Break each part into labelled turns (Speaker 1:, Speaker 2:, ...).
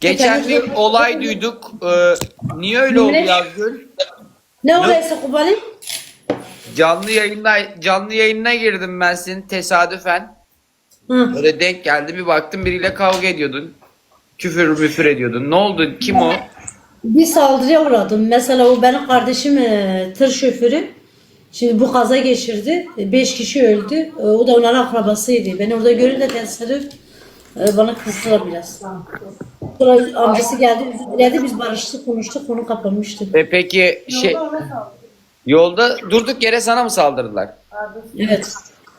Speaker 1: Geçen bir olay duyduk. Niye öyle oldu Yazgül?
Speaker 2: Ne olaysa Kubali?
Speaker 1: Canlı yayına girdim ben senin tesadüfen.
Speaker 2: Hı.
Speaker 1: Böyle denk geldi, bir baktım biriyle kavga ediyordun. Küfür ediyordun. Ne oldu? Kim o?
Speaker 2: Bir saldırıya uğradım. Mesela o benim kardeşim tır şoförü. Şimdi bu kaza geçirdi. 5 kişi öldü. O da onların akrabasıydı. Beni orada görünce tesadüf bana kızdılar biraz. Sonra amcası geldi, özür diledi. Biz barıştık, konuştuk, konu kapanmıştı.
Speaker 1: Peki yolda durduk yere sana mı saldırdılar?
Speaker 2: Evet,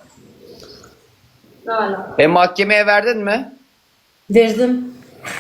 Speaker 1: Mahkemeye verdin mi?
Speaker 2: verdim.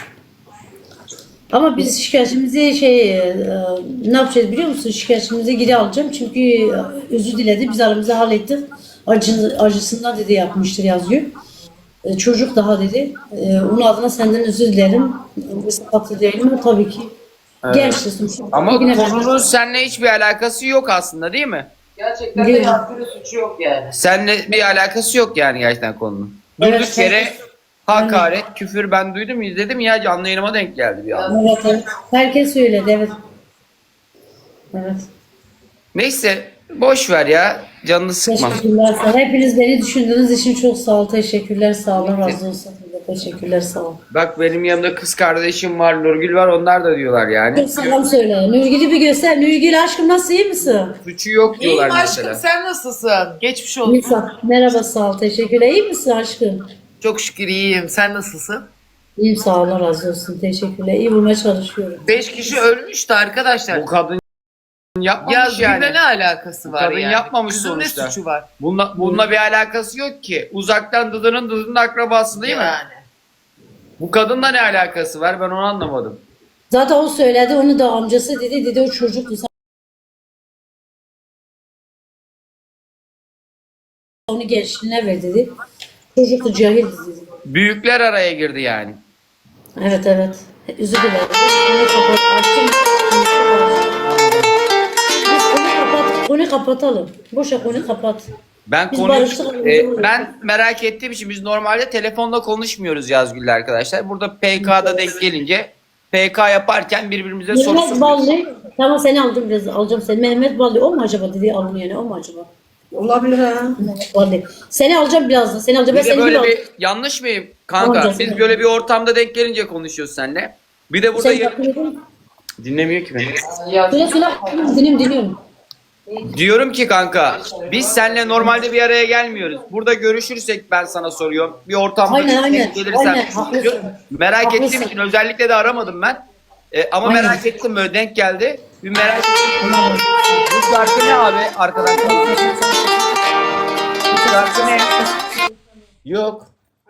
Speaker 2: Ama biz şikayetimizi ne yapacağız biliyor musun? Şikayetimizi geri alacağım çünkü özür diledi. Biz aramızda hallettik. Acısından dedi yapmıştır yazıyor. Çocuk daha dedi. Onun adına senden özür dilerim. Sakatlı değilim ama tabii ki.
Speaker 1: Evet.
Speaker 2: Gençsin.
Speaker 1: Ama
Speaker 2: Yine
Speaker 1: konunun seninle hiçbir alakası yok aslında, değil mi?
Speaker 3: Gerçekten de yaptığı suçu yok yani.
Speaker 1: Seninle bir alakası yok yani gerçekten konunun. Durduk
Speaker 2: Evet,
Speaker 1: yere hakaret, küfür ben duydum, izledim ya, canlı yayınıma denk geldi bir anda.
Speaker 2: Evet, evet. Herkes söyledi, evet. Evet.
Speaker 1: Neyse boş ver ya, canını sıkma.
Speaker 2: Teşekkürler sağ olun. Hepiniz beni düşündüğünüz için çok sağ olun. Teşekkürler sağ olun. Razı olsun. Teşekkürler sağ olun.
Speaker 1: Bak benim yanımda kız kardeşim var, Nurgül var, onlar da diyorlar yani.
Speaker 2: Çok selam söyle. Nurgül'ü bir göster. Nurgül aşkım nasıl, iyi misin?
Speaker 1: Suçu yok diyorlar
Speaker 3: İyiyim aşkım,
Speaker 1: mesela.
Speaker 3: sen nasılsın? Geçmiş olsun.
Speaker 2: Nisa. Merhaba sağ ol. Teşekkürler. İyi misin aşkım?
Speaker 3: Çok şükür iyiyim. Sen nasılsın?
Speaker 2: İyiyim sağ olun. Razı olsun. Teşekkürler. İyi bulmaya çalışıyorum.
Speaker 3: 5 kişi ölmüştü arkadaşlar.
Speaker 1: Bu kadın yapmamış
Speaker 3: Ya
Speaker 1: yani.
Speaker 3: ne alakası var
Speaker 1: Kadın
Speaker 3: yani?
Speaker 1: yapmamış
Speaker 3: Kızın
Speaker 1: sonuçta.
Speaker 3: ne suçu var?
Speaker 1: Bununla bir alakası yok ki. Uzaktan dıdının akrabası değil mi?
Speaker 3: Yani.
Speaker 1: Bu kadınla ne alakası var, ben onu anlamadım.
Speaker 2: Zaten o söyledi. Onu da amcası dedi. Dedi o çocuktu. Sen onu gençliğine ver dedi. Çocuktu, cahil dedi.
Speaker 1: Büyükler araya girdi yani.
Speaker 2: Evet evet. Özür dilerim. Konuyu kapat. Açtım. Biz konuyu kapatalım. Boşa konuyu kapat.
Speaker 1: Ben
Speaker 2: Biz
Speaker 1: konuyu
Speaker 2: barıştık.
Speaker 1: ben merak ettiğim için biz normalde telefonla konuşmuyoruz Yazgül'le arkadaşlar. Burada PK'da denk gelince PK yaparken birbirimize soru
Speaker 2: Mehmet
Speaker 1: soruyoruz.
Speaker 2: Ballı. Tamam seni aldım biraz. Alacağım seni. Mehmet Ballı o mu acaba dedi alın yani o mu acaba?
Speaker 3: Olabilir ha.
Speaker 2: Mehmet Ballı. Seni alacağım birazdan. Seni alacağım. Ben
Speaker 1: Bir de
Speaker 2: seni
Speaker 1: böyle
Speaker 2: bir
Speaker 1: bir yanlış mıyım kanka?
Speaker 2: Alacağız.
Speaker 1: Biz böyle bir ortamda denk gelince konuşuyoruz seninle. Bir de burada
Speaker 2: Sen bakıyordun.
Speaker 1: dinlemiyor ki beni.
Speaker 2: Söyle söyle. Dinliyorum.
Speaker 1: Diyorum ki kanka, biz seninle normalde bir araya gelmiyoruz. Burada görüşürsek ben sana soruyorum. Bir ortamda
Speaker 2: Aynen,
Speaker 1: denk gelirsen
Speaker 2: aynen, haklısın.
Speaker 1: merak
Speaker 2: Haklısın.
Speaker 1: ettiğim için özellikle de aramadım ben. Ama
Speaker 2: Aynen.
Speaker 1: merak ettim, böyle denk geldi. Bir merak ettim. Bu şarkı ne abi arkadaşlar? Bu şarkı ne? Yok.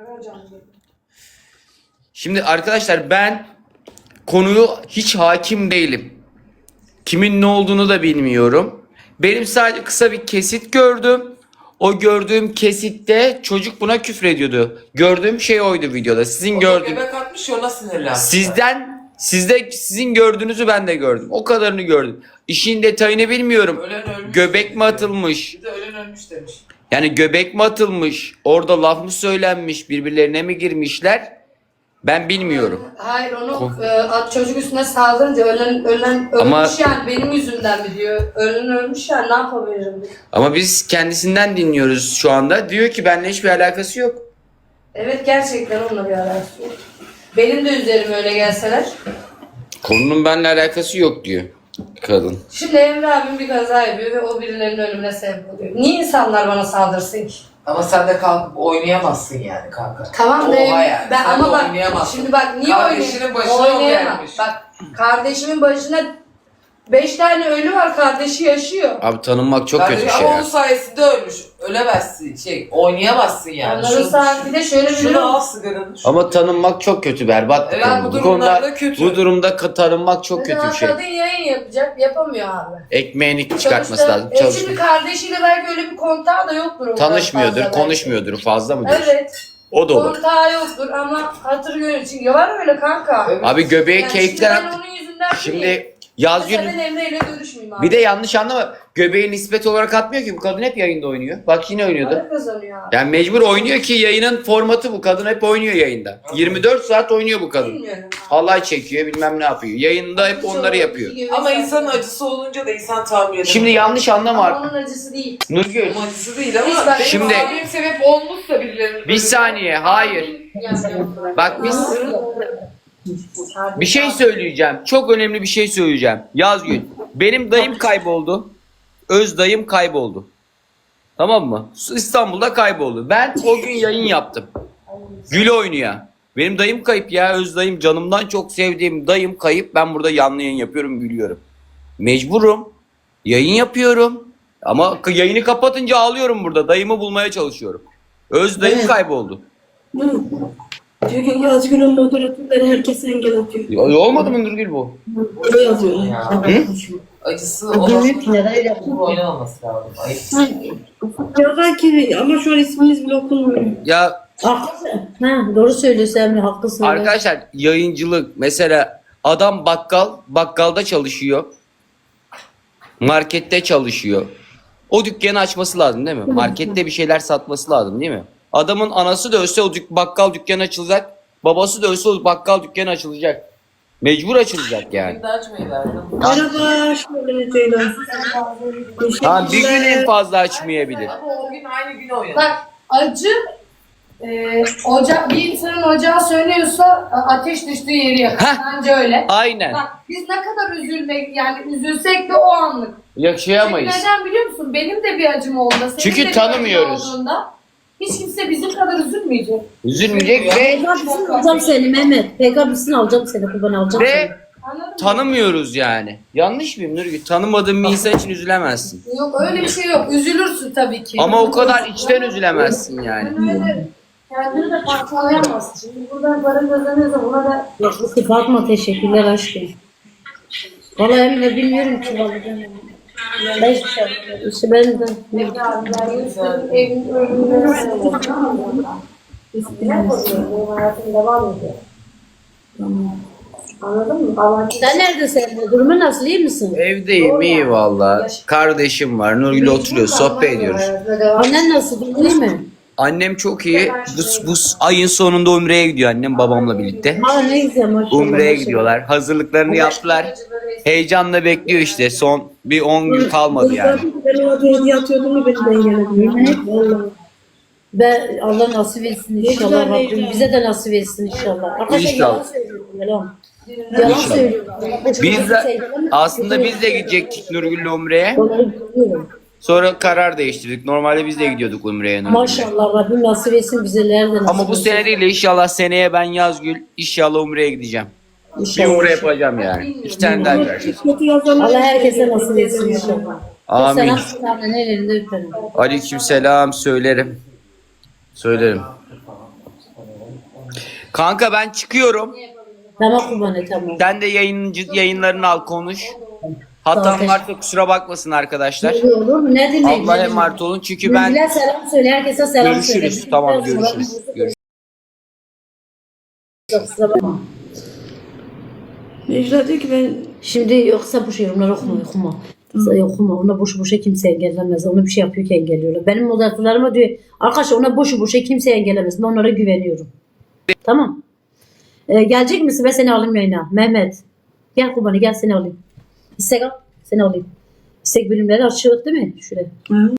Speaker 1: Şimdi arkadaşlar ben konuyu hiç hakim değilim. Kimin ne olduğunu da bilmiyorum. Benim sadece kısa bir kesit gördüm. O gördüğüm kesitte çocuk buna küfür ediyordu. Gördüğüm şey oydu videoda. Sizin gördüğünüz.
Speaker 3: Göbek atmış ya, ona sinirlenmiş.
Speaker 1: Sizin gördüğünüzü ben de gördüm. O kadarını gördüm. İşin detayını bilmiyorum.
Speaker 3: Ölen ölmüş.
Speaker 1: Göbek mi atılmış?
Speaker 3: Bir de ölen ölmüş demiş.
Speaker 1: Yani göbek mi atılmış? Orada laf mı söylenmiş? Birbirlerine mi girmişler? Ben bilmiyorum.
Speaker 4: Hayır onu çocuk üstüne saldırınca ölen
Speaker 1: Ama-
Speaker 4: ölmüş yani benim yüzümden mi diyor. Ölen ölmüş yani ne yapabilirim diyor.
Speaker 1: Ama biz kendisinden dinliyoruz şu anda. Diyor ki benimle hiçbir alakası yok.
Speaker 4: Evet gerçekten onunla bir alakası yok. Benim de üzerime öyle gelseler.
Speaker 1: Konunun benimle alakası yok diyor kadın.
Speaker 4: Şimdi Emre abim bir kaza yapıyor ve o birilerinin ölümüne sebep oluyor. Niye insanlar bana saldırsın ki?
Speaker 3: Ama sen de kalkıp oynayamazsın yani kanka.
Speaker 4: Tamam da
Speaker 3: Oha yani.
Speaker 4: ben
Speaker 3: Sen
Speaker 4: ama
Speaker 3: de
Speaker 4: bak
Speaker 3: oynayamazsın.
Speaker 4: şimdi bak niye
Speaker 3: Kardeşinin başına o
Speaker 4: oynayamam.
Speaker 3: gelmiş.
Speaker 4: Bak kardeşimin başına 5 tane ölü var, kardeşi yaşıyor.
Speaker 1: Abi tanınmak çok kötü bir şey
Speaker 3: Ama
Speaker 1: ya.
Speaker 3: onun sayesinde ölmüş. Ölemezsin, oynayamazsın yani.
Speaker 4: Onların saat bir de şöyle bir
Speaker 3: Şunu
Speaker 4: durum.
Speaker 3: al sigaranı.
Speaker 1: Ama tanınmak çok kötü, berbat bir
Speaker 3: Evet,
Speaker 1: konu.
Speaker 3: bu durumlarda kötü.
Speaker 1: Bu durumda tanınmak çok
Speaker 4: Mesela
Speaker 1: kötü bir şey.
Speaker 4: kadın yayın yapacak, yapamıyor abi.
Speaker 1: Ekmeğini çıkartması
Speaker 4: Sonuçta,
Speaker 1: lazım.
Speaker 4: Şimdi
Speaker 1: Çalışmıyor.
Speaker 4: kardeşiyordur belki öyle bir kontağı da yoktur. o kadar
Speaker 1: Tanışmıyordur,
Speaker 4: fazla
Speaker 1: konuşmuyordur, fazla mı diyorsun?
Speaker 4: Evet.
Speaker 1: O da olur.
Speaker 4: Kontağı yoktur ama hatır gönül için. Ya var öyle kanka.
Speaker 3: Evet.
Speaker 1: Abi göbeği
Speaker 4: Yani
Speaker 1: keyiften...
Speaker 4: şimdi ben onun yüzünden değil.
Speaker 1: Şimdi Yazgül
Speaker 4: Mesela ben Emre ile görüşmeyeyim abi.
Speaker 1: bir de yanlış anlama. Göbeği nispet olarak atmıyor ki. Bu kadın hep yayında oynuyor. Bak yine oynuyordu.
Speaker 4: Para kazanıyor abi.
Speaker 1: Yani mecbur oynuyor ki yayının formatı bu. Kadın hep oynuyor yayında. 24 saat oynuyor bu kadın.
Speaker 4: Bilmiyorum abi.
Speaker 1: Halay çekiyor bilmem ne yapıyor. Yayında hep onları yapıyor.
Speaker 3: Ama insanın acısı olunca da insan tahmin edemez.
Speaker 1: Şimdi yanlış anlama
Speaker 4: Ama
Speaker 1: artık.
Speaker 4: onun acısı değil.
Speaker 1: Nurgül
Speaker 3: Onun acısı değil ama
Speaker 4: Hiç ben-
Speaker 3: benim
Speaker 1: Şimdi-
Speaker 3: abim sebep olmuşsa birilerinin.
Speaker 1: bir saniye hayır. Bak biz bir şey söyleyeceğim. Çok önemli bir şey söyleyeceğim. Yazgül. Benim dayım kayboldu. Öz dayım kayboldu. Tamam mı? İstanbul'da kayboldu. Ben o gün yayın yaptım. Gül oynuyor. Benim dayım kayıp ya. Öz dayım, canımdan çok sevdiğim dayım kayıp. Ben burada canlı yayın yapıyorum, gülüyorum. Mecburum. Yayın yapıyorum. Ama yayını kapatınca ağlıyorum burada. Dayımı bulmaya çalışıyorum. Öz dayım
Speaker 2: Evet.
Speaker 1: kayboldu.
Speaker 5: Çünkü Yazgül'ün moderatörleri herkese engel atıyor.
Speaker 1: Olmadı mı Nurgül bu?
Speaker 5: Öyle yazıyorlar.
Speaker 3: Ya.
Speaker 1: Hı?
Speaker 3: Acısı
Speaker 2: Bilmiyorum
Speaker 3: olan
Speaker 2: ki neden öyle yaptın.
Speaker 3: oynamaması lazım. Ayıp.
Speaker 5: Ya belki ama şu an isminiz bile okunmuyor.
Speaker 1: Ya
Speaker 2: Haklısın. Ha, doğru söylüyorsun Emre, haklısın.
Speaker 1: arkadaşlar yayıncılık mesela adam bakkalda çalışıyor. Markette çalışıyor. O dükkanı açması lazım değil mi? Markette bir şeyler satması lazım değil mi? Adamın anası da ölse o bakkal dükkanı açılacak. Babası da ölse o bakkal dükkanı açılacak. Mecbur açılacak yani.
Speaker 3: Bir de açmayı verdim.
Speaker 5: Merhaba, hoş geldiniz Ceylan.
Speaker 1: Ha, bir gün en fazla açmayabilir.
Speaker 3: Ama o gün aynı gün oynadı.
Speaker 4: Bak acı bir insanın ocağı söylüyorsa ateş düştüğü yeri yakar.
Speaker 1: Heh.
Speaker 4: Bence öyle.
Speaker 1: Aynen.
Speaker 4: Bak biz ne kadar üzülsek de o anlık. Çünkü
Speaker 1: Yaşayamayız.
Speaker 4: neden biliyor musun? Benim de bir acım oldu. Senin
Speaker 1: Çünkü
Speaker 4: de bir acın
Speaker 1: tanımıyoruz.
Speaker 4: olduğunda hiç kimse bizim kadar üzülmeyecek.
Speaker 1: Üzülmeyecek ve
Speaker 2: PK'bisini alacağım seni Mehmet. PK'bisini alacağım seni. Kurban alacağım seni.
Speaker 1: ve
Speaker 4: Anladın mı?
Speaker 1: tanımıyoruz yani. Yanlış mıyım Nurgül? Tanımadığın bir insan için üzülemezsin.
Speaker 4: Yok öyle bir şey yok. Üzülürsün tabii ki.
Speaker 1: Ama o kadar içten üzülemezsin yani.
Speaker 4: Kendini de parçalayamazsın. Şimdi buradan para kazanıyorsa buna da
Speaker 2: Yaklaşık Fatma, teşekkürler aşkım. Vallahi Emre bilmiyorum ki vallahi. Ben hiçbir şey yapmıyorum. İşte ben de ne bileyim.
Speaker 4: evin ölümüne benim hayatım devam ediyor. Anladın mı? Ama
Speaker 2: Sen neredesin Emre? Durumun nasıl, iyi misin?
Speaker 1: Evdeyim iyi valla. Kardeşim var. Nurgül oturuyor. Sohbet ediyoruz.
Speaker 2: Annen nasıl? Durumun iyi mi?
Speaker 1: Annem çok iyi. Bu ayın sonunda Umre'ye gidiyor annem babamla birlikte.
Speaker 2: Ha ne güzel maşallah.
Speaker 1: Umre'ye
Speaker 2: maşallah.
Speaker 1: gidiyorlar. Hazırlıklarını yaptılar. Heyecanla bekliyor işte. Son bir 10 gün kalmadı yani.
Speaker 5: Ben ona bir hediye atıyordum ya beni de engelledi. Vallahi.
Speaker 2: Ben Allah nasip etsin inşallah
Speaker 5: güzel,
Speaker 2: Rabbim.
Speaker 5: güzel.
Speaker 2: Bize de nasip etsin inşallah. Arkadaşlar
Speaker 1: İnşallah.
Speaker 2: yalan söylüyorum. Yalan. Yalan
Speaker 1: İnşallah.
Speaker 2: söylüyorum.
Speaker 1: Biz de aslında biz de gidecektik Nurgül'le Umre'ye.
Speaker 2: Onları biliyorum.
Speaker 1: Sonra karar değiştirdik. Normalde biz de gidiyorduk Umre'ye Nurgül'le.
Speaker 2: Maşallah Rabbim nasip etsin bize, nereden nasip
Speaker 1: Ama bu
Speaker 2: etsin.
Speaker 1: sene değil de inşallah seneye ben Yazgül inşallah Umre'ye gideceğim. Bir
Speaker 2: İnşallah.
Speaker 1: Umre yapacağım yani. 2 tane daha göreceğiz.
Speaker 5: Kötü yazanlar.
Speaker 2: Allah herkese nasip etsin inşallah.
Speaker 1: Amin.
Speaker 2: Selam selamın ellerinde öperim.
Speaker 1: Aleykümselam söylerim. Söylerim. Kanka ben çıkıyorum.
Speaker 2: Tamam kurbanı, tamam.
Speaker 1: Sen de yayınlarını al konuş. Hatam
Speaker 2: Zaten.
Speaker 1: varsa kusura bakmasın arkadaşlar.
Speaker 2: Ne olur mu? Ne demek?
Speaker 1: Allah'a emanet olun çünkü ben
Speaker 2: Nurgül'e selam söyle, herkese selam söyle.
Speaker 1: görüşürüz. Tamam görüşürüz. Görüşürüz.
Speaker 2: Kusura bakma.
Speaker 5: Necla diyor ki ben
Speaker 2: Şimdi yoksa bu şey yorumları okuma. Okuma. Ona boşu boşa kimse engellemez. Ona bir şey yapıyor ki engelliyorlar. Benim moderatörlerime diyor arkadaşlar ona boşu boşa kimse engellemez. Ben onlara güveniyorum. Tamam. Gelecek misin? Ben seni alayım yayına. Mehmet. Gel kurbanı, gel seni alayım. İstek al. Seni alayım. İstek bölümleri açık değil mi? Şuraya.